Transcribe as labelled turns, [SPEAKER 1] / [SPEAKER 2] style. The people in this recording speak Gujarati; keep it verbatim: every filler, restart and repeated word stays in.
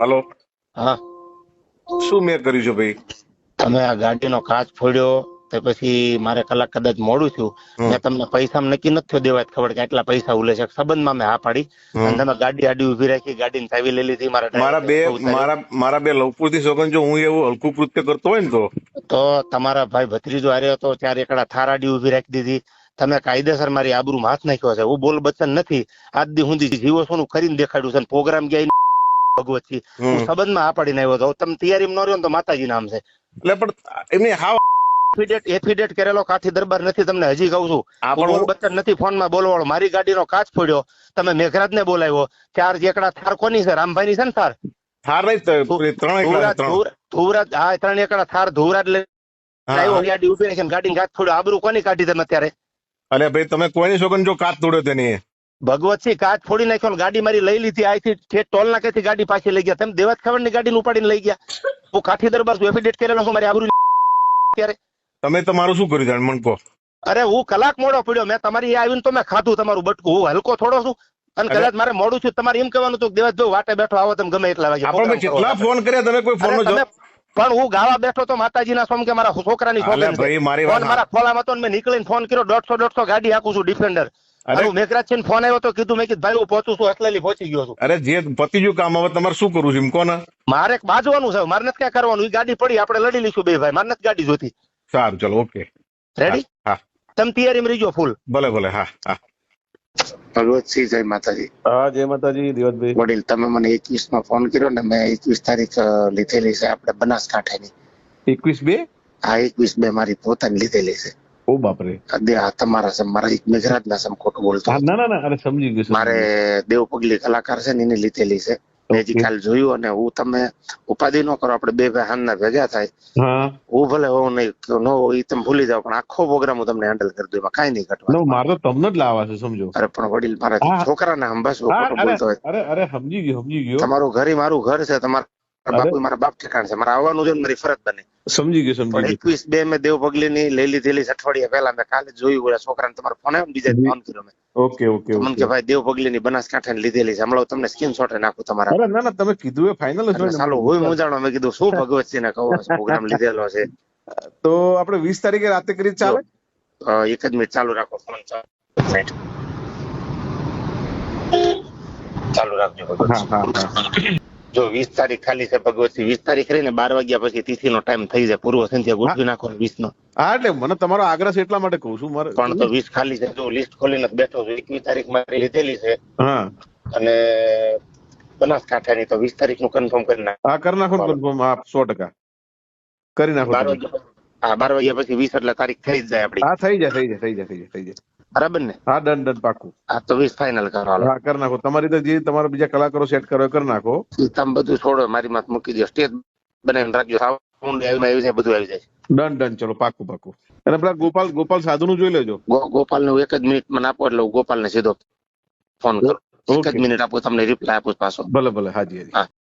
[SPEAKER 1] હલો,
[SPEAKER 2] હા,
[SPEAKER 1] શું મેં કર્યું છે ભાઈ?
[SPEAKER 2] તમે આ ગાડીનો કાચ ફોડ્યો તો પછી મારે કલાક કદાચ મોડું થયું.
[SPEAKER 1] હમ.
[SPEAKER 2] મેં તમને પૈસા નક્કી નથી થયો દેવા ખબર કે આટલા પૈસા ઉલે છે સંબંધમાં મેં હા પાડી
[SPEAKER 1] હમ.
[SPEAKER 2] અને તમે ગાડી આડી ઉભી રાખી ગાડીની ચાવી લઈ લીધી મારા
[SPEAKER 1] મારા બે
[SPEAKER 2] ડ્રાઈવર ઉતારી.
[SPEAKER 1] મારા મારા બે લવપુરથી સોગન જો હું એવું હલકું કૃત્ય કરતો હોય ને તો
[SPEAKER 2] તો તમારા ભાઈ ભત્રીજો હાર્યો હતો ત્યારે એકડા થાર આડી ઉભી રાખી દીધી. તમે કાયદેસર મારી આબરૂમાં હાથ નાખ્યો છે. હું બોલ બચન નથી. આજ દી સુધી જીવો સોનું કરીને દેખાડ્યું છે. પ્રોગ્રામ ગયા ભગવતથી હું
[SPEAKER 1] હમ.
[SPEAKER 2] સંબંધમાં આ પાડીને આવ્યો હતો. તમે તૈયારીમાં ન રહ્યો ને તો માતાજી નામ છે.
[SPEAKER 1] એટલે પણ એમની હાવ
[SPEAKER 2] એફિડેટ એફિડેટ કરેલો કાઠી દરબાર નથી. તમને હજી કહું છું.
[SPEAKER 1] આ
[SPEAKER 2] હું
[SPEAKER 1] પણ
[SPEAKER 2] બોલ
[SPEAKER 1] હું-
[SPEAKER 2] બચ્ચન નથી ફોનમાં બોલવાળો. મારી ગાડીનો કાચ ફોડ્યો. તમે મેઘરાજ ને બોલાવ્યો. ચાર એકડા થાર કોની છે? રામભાઈ ની છે ને થાર?
[SPEAKER 1] થાર નહીં તો
[SPEAKER 2] ધુ-
[SPEAKER 1] ત્રણ એકલા
[SPEAKER 2] ધુવરાજ
[SPEAKER 1] ત્રણ
[SPEAKER 2] ધુવરાજ- ધુવરાજ હા ત્રણ એકડા થાર ધુવરાજ લઈ
[SPEAKER 1] હા,
[SPEAKER 2] આવ્યો.
[SPEAKER 1] હા.
[SPEAKER 2] ગાડી ઉભી રાખીને ગાડીને કાચ ફોડ્યો. આબરૂ કોની કાઢી તમે અત્યારે?
[SPEAKER 1] અરે ભાઈ તમે કોઈની સોગન જો કાચ તોડ્યો તેની
[SPEAKER 2] ભગવતસિંહ કાચ ફોડી નાખ્યો ને ગાડી મારી લઈ લીધી. આથી ઠેઠ ટોલ નાકેથી ગાડી પાછી લઈ ગયા. તમે દેવાજ ખબર ની ગાડીને ઉપાડીને લઈ ગયા. હું કાઠી દરબાર છું. એફિડેટ કરેલો છું. મારી આબરૂ અત્યારે
[SPEAKER 1] તમે તમારું શું કર્યું જાણ મને કહો.
[SPEAKER 2] અરે હું કલાક મોડો પડ્યો. મેં તમારી આવીને તો મેં ખાધું તમારું બટકું. હું હલકો થોડો છું અને
[SPEAKER 1] અરે.
[SPEAKER 2] કદાચ મારે મોડું છું. તમારે એમ કહેવાનું હતું કે દેવાજભાઈ વાટે બેઠો આવો તમે ગમે એટલા વાગે
[SPEAKER 1] આપણે
[SPEAKER 2] program
[SPEAKER 1] ભાઈ
[SPEAKER 2] કરો.
[SPEAKER 1] કેટલા ફોન કર્યા તમે કોઈ ફોન
[SPEAKER 2] અરે
[SPEAKER 1] નો
[SPEAKER 2] તમે
[SPEAKER 1] જવાબ
[SPEAKER 2] પણ હું ગાવા બેઠો તો માતાજીના સોમ કે મારા છોકરાની
[SPEAKER 1] અલે
[SPEAKER 2] સોગંદ
[SPEAKER 1] ભાઈ
[SPEAKER 2] છે.
[SPEAKER 1] મારી
[SPEAKER 2] ફોન
[SPEAKER 1] વાત
[SPEAKER 2] મારા ખોલામાં હતો ને મેં નીકળીને ફોન કર્યો. દોઢસો દોઢસો ગાડી હાકું છું ડિફેન્ડર.
[SPEAKER 1] અરે.
[SPEAKER 2] અને હું મેઘરાજ છે ને ફોન આવ્યો તો કીધું મેં કીધું ભાઈ હું પહોંચું છું. અસલેલી પહોંચી ગયો છું.
[SPEAKER 1] અરે જે પતિજુ કામ હવે તમારે શું કરવું છે એમ કોને?
[SPEAKER 2] મારે બાજવાનું છે. મારે નથી ક્યાં કરવાનું. એ ગાડી પડી આપણે લડી લઈશું બે ભાઈ. મારે નથી ગાડી જોતી.
[SPEAKER 1] સારું ચલો ઓકે.
[SPEAKER 2] રેડી?
[SPEAKER 1] હા
[SPEAKER 2] તમે તૈયારીમાં રહીજો ફૂલ.
[SPEAKER 1] ભલે ભલે હા હા
[SPEAKER 2] ભગવતસિંહ જય માતાજી.
[SPEAKER 1] હા જય માતાજી દેવતભાઈ.
[SPEAKER 2] વડીલ તમે મને એકવીસ માં ફોન કર્યો ને મેં એકવીસ તારીખ અ, લીધેલી છે આપણે બનાસકાંઠાની.
[SPEAKER 1] એકવીસ બે
[SPEAKER 2] આ એકવીસ બે મારી પોતાની લીધેલી છે.
[SPEAKER 1] ઓ બાપરે.
[SPEAKER 2] દે આ તમારા સમ મારા એક મેઘરાજ ના સમ ખોટું બોલતો
[SPEAKER 1] હા,
[SPEAKER 2] હતો.
[SPEAKER 1] ના ના ના અરે સમજી ગયું સમજી
[SPEAKER 2] મારે દેવ પગલી કલાકાર છે ને એની લીધેલી છે. મેં હજી
[SPEAKER 1] Okay.
[SPEAKER 2] કાલ જોયું અને હું તમે ઉપાધિ ન કરો. આપણે બે ભાઈ હાનના ભેગા થાય.
[SPEAKER 1] ગયું. હા
[SPEAKER 2] હું ભલે હોઉં નહીં કે ન હોઉં એ તમે ભૂલી જાઓ પણ આખો પ્રોગ્રામ હું તમને હેન્ડલ કરી દઉં. એમાં કાંઈ નહીં ઘટવા.
[SPEAKER 1] નો મારે તો તમને જ લાવવા છે સમજો.
[SPEAKER 2] અરે પણ વડીલ મારા
[SPEAKER 1] હા.
[SPEAKER 2] છોકરાને હંભાસ
[SPEAKER 1] હા
[SPEAKER 2] ખોટું
[SPEAKER 1] અરે
[SPEAKER 2] બોલતો હોય.
[SPEAKER 1] અરે અરે સમજી ગયો સમજી ગયો
[SPEAKER 2] તમારું ઘર ઈ મારું ઘર છે. તમારા
[SPEAKER 1] અરે.
[SPEAKER 2] બાપુ ઈ મારા બાપ ઠેકાણ છે. મારે આવવાનું છે ને મારી ફરજ બને.
[SPEAKER 1] સમજી ગયો સમજી
[SPEAKER 2] પણ
[SPEAKER 1] ગયો.
[SPEAKER 2] એકવીસ બે મેં દેવ પગલી ની લઈ લીધેલી છે અઠવાડિયા પહેલા. મેં કાલે જોયું ઓલા છોકરાને તમારો ફોન આવ્યો ને બીજા
[SPEAKER 1] જી.
[SPEAKER 2] ફોન કર્યો મેં.
[SPEAKER 1] ઓકે ઓકે
[SPEAKER 2] તો મને
[SPEAKER 1] ઓકે.
[SPEAKER 2] કે ભાઈ દેવ પગલી ની બનાસકાંઠા ની લીધેલી છે. હમણાં તમને સ્ક્રીનશોટ નાખું તમારા.
[SPEAKER 1] અરે ના ના તમે કીધું એ ફાઇનલ જ
[SPEAKER 2] એટલે
[SPEAKER 1] હોય
[SPEAKER 2] સાલું
[SPEAKER 1] ને.
[SPEAKER 2] હું મૂંઝાણો. મેં કીધું શું ભગવતસિંહ ને કહો પ્રોગ્રામ લીધેલો છે.
[SPEAKER 1] તો આપણે વીસ તારીખે રાતે કરી ચાલે?
[SPEAKER 2] અ, એક જ મિનિટ ચાલુ રાખો ફોન. ચાલુ મિનિટ. ચાલુ રાખજો
[SPEAKER 1] હા
[SPEAKER 2] ભગવતસિંહ.
[SPEAKER 1] હા હા.
[SPEAKER 2] જો વીસ તારીખ ખાલી છે ભગવતસિંહ. વીસ તારીખ રહીને બાર વાગ્યા પછી તિથિ નો ટાઈમ થઈ જાય. પૂર્વ સંધ્યા ગોઠવી નાખો વીસ નો.
[SPEAKER 1] હા એટલે મને તમારો આગ્રહ છે એટલા માટે કહું છું મારે.
[SPEAKER 2] પણ તો વીસ ખાલી છે. જો લિસ્ટ ખોલીને જ બેઠો છું. એકવીસ તારીખ મારી લીધેલી છે
[SPEAKER 1] હા
[SPEAKER 2] અને બનાસકાંઠાની તો વીસ તારીખ નું કન્ફર્મ કરી નાખ.
[SPEAKER 1] હા કરી નાખો ને confirm. હા સો ટકા કરી નાખો
[SPEAKER 2] બાર
[SPEAKER 1] તમે.
[SPEAKER 2] વાગ્યા પછી- હા બાર વાગ્યા પછી વીસ એટલે તારીખ થઈ જ જાય આપડી.
[SPEAKER 1] હા થઈ જાય થઈ જાય થઈ જાય થઈ જાય થઈ જાય.
[SPEAKER 2] બરાબર ને?
[SPEAKER 1] હા ડન ડન પાકું.
[SPEAKER 2] હા તો વીસ ફાઇનલ કરો. હાલો
[SPEAKER 1] હા કરી નાખો. તમારી રીતે જે તમારા બીજા કલાકારો સેટ કરો એ કરી નાખો.
[SPEAKER 2] ઈ તમે બધું છોડો. મારી માથે મૂકી દો. સ્ટેજ બનાવીને રાખજો. સાઉન્ડ આવી આવી જાય બધું આવી જાય.
[SPEAKER 1] ડન ડન ચલો પાકું પાકું. અને પેલા ગોપાલ ગોપાલ સાધુ નું જોઈ લેજો.
[SPEAKER 2] ગો- ગોપાલ ને એક જ મિનિટ મને આપો એટલે હું ગોપાલ ને સીધો ફોન કરું. એક જ
[SPEAKER 1] ઓકે
[SPEAKER 2] મિનિટ આપો તમને રિપ્લાય આપું પાછો.
[SPEAKER 1] ભલે ભલે હાજી હાજી.
[SPEAKER 2] હા.